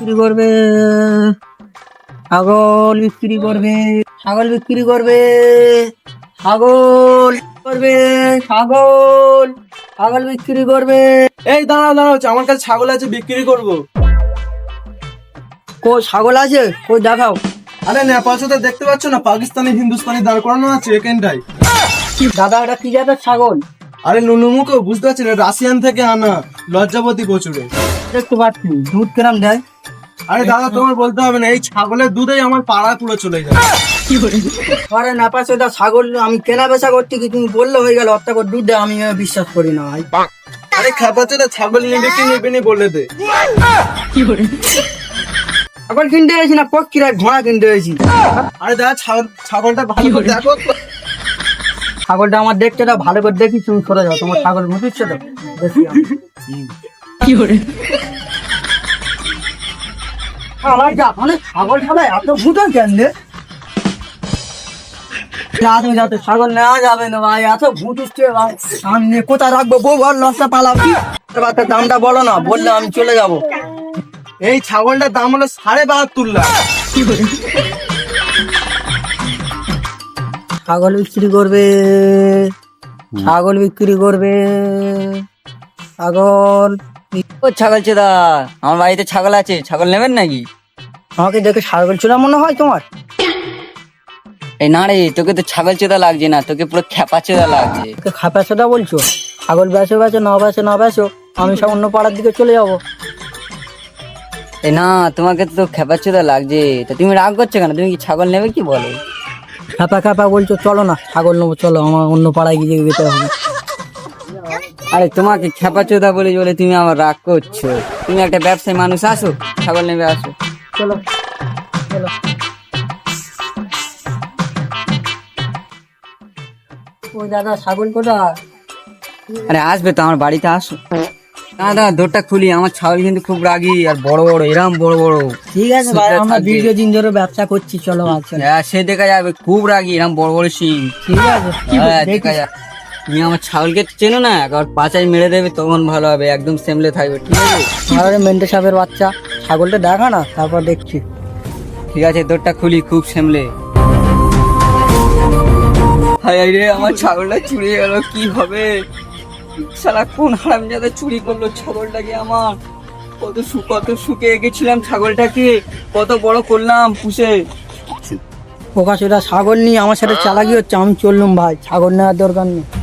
বিক্রি করবে, ছাগল বিক্রি করবে, ছাগল বিক্রি করবে, ছাগল করবে, ছাগল, ছাগল বিক্রি করবে। এই দাঁড়াও দাঁড়াও, আমার কাছে ছাগল আছে, বিক্রি করব। কই ছাগল আছে? কই দেখাও। আরে নেপাল সাথে দেখতে পাচ্ছ না, পাকিস্তানি হিন্দুস্তানি দাঁড় করানো আছে এখানটাই। দাদা এটা কি জাতের ছাগল? আরে নুনুমুখো বুঝতে পারছি না, রাশিয়ান থেকে আনা, লজ্জাবতী প্রচুরে। দেখতে পাচ্ছি দুধ কিরাম দেয়? আরে দাদা তোমার বলতে হবে না, এই ছাগলের দুধেই আমার পাড়া পুরো চলে যায়। আরে নেপাল সেটা ছাগল আমি কেনা বেচা করছি কি তুমি বললে হয়ে গেল, অর্থাৎ দুধ দেয়, আমি বিশ্বাস করি না ভাই। আরে খাপাচ্ছে না, ছাগল নেবে কি নেবে নি বলে দে। ছাগল কিনতে গেছি না পক্ষীরা ঘোড়া কিনতে গেছি। আরে দাদা ছাগলটা ভালো করে দেখো। ছাগলটা আমার দেখতে দাও, ভালো করে দেখি, তুমি সরে যাও, তোমার ছাগল মুটিচ্ছে তো দেখি আমি। আমার জাপানে ছাগল ছাড়াই এত ভুটান কেন রে? তুমি যাতে ছাগল নেওয়া যাবে না ভাই, এত ভূত উঠছে ভাই, সামনে কোথায় রাখবো, বউ ঘর লসটা পালাবি, দামটা বলো না, বললে আমি চলে যাবো। এই ছাগলটার দাম হলো ৭২.৫ লাখ। ছাগল বিক্রি করবে, ছাগল বিক্রি করবে, ছাগল। ও ছাগল চেদা, আমার বাড়িতে ছাগল আছে, ছাগল নেবেন নাকি? আমাকে দেখে ছাগল চোরা মনে হয় তোমার? এই না রে, তোকে তো ছাগল চেদা লাগছে না, তোকে পুরো খেপা চেদা লাগছে। খাপা সোদা বলছো? ছাগল বেচো বেচো, না বেচো না বেচো, আমি সব অন্য পাড়ার দিকে চলে যাবো। এই না, তোমাকে তো খেপা চেদা লাগছে, তা তুমি রাগ করছো কেন? তুমি কি ছাগল নেবে কি বলো? খাপা খাপা বলছো, চলো না ছাগল নেবো, চলো আমার অন্য পাড়ায় গিয়ে যেতে হবে। আরে তোমাকে খেপা চেদা বলে বলে তুমি আমার রাগ করছো। তুমি একটা ব্যবসায়ী মানুষ, আসো ছাগল নেবে, আসো। চলো চলো। ওই দাদা ছাগল কোথায়? আরে আসবে তো, আমার বাড়িতে আসো। দাদা দোরটা খুলি, আমার ছাগল কিন্তু খুব রাগী আর বড় বড়, এরম বড় বড়। ঠিক আছে ভাই, আমরা দীর্ঘদিন ধরে ব্যবসা করছি, চলো আচ্ছা। হ্যাঁ সে দেখা যাবে, খুব রাগী, এরম বড় বড় সিং। ঠিক আছে হ্যাঁ দেখা যাবে। তুমি আমার ছাগলকে চেনো না, একবার পাচাই মেরে দেবে তখন ভালো হবে, একদম সেমলে থাকবে, ঠিক আছে? আরে মেন্টে সাহেবের বাচ্চা, ছাগলটা দেখা না, তারপর দেখছি। ঠিক আছে দোরটা খুলি, খুব সেমলে। হায় রে, আমার ছাগলটা চুরি গেল, কি হবে? শালা কোন হারামজাদা চুরি করলো ছাগলটাকে আমার? কত সুখে এঁকেছিলাম ছাগলটাকে, কত বড় করলাম পুষে। ওকা সেটা ছাগল নিয়ে আমার সাথে চালাকি হচ্ছে, আমি চললুম ভাই, ছাগল নেওয়ার দরকার নেই।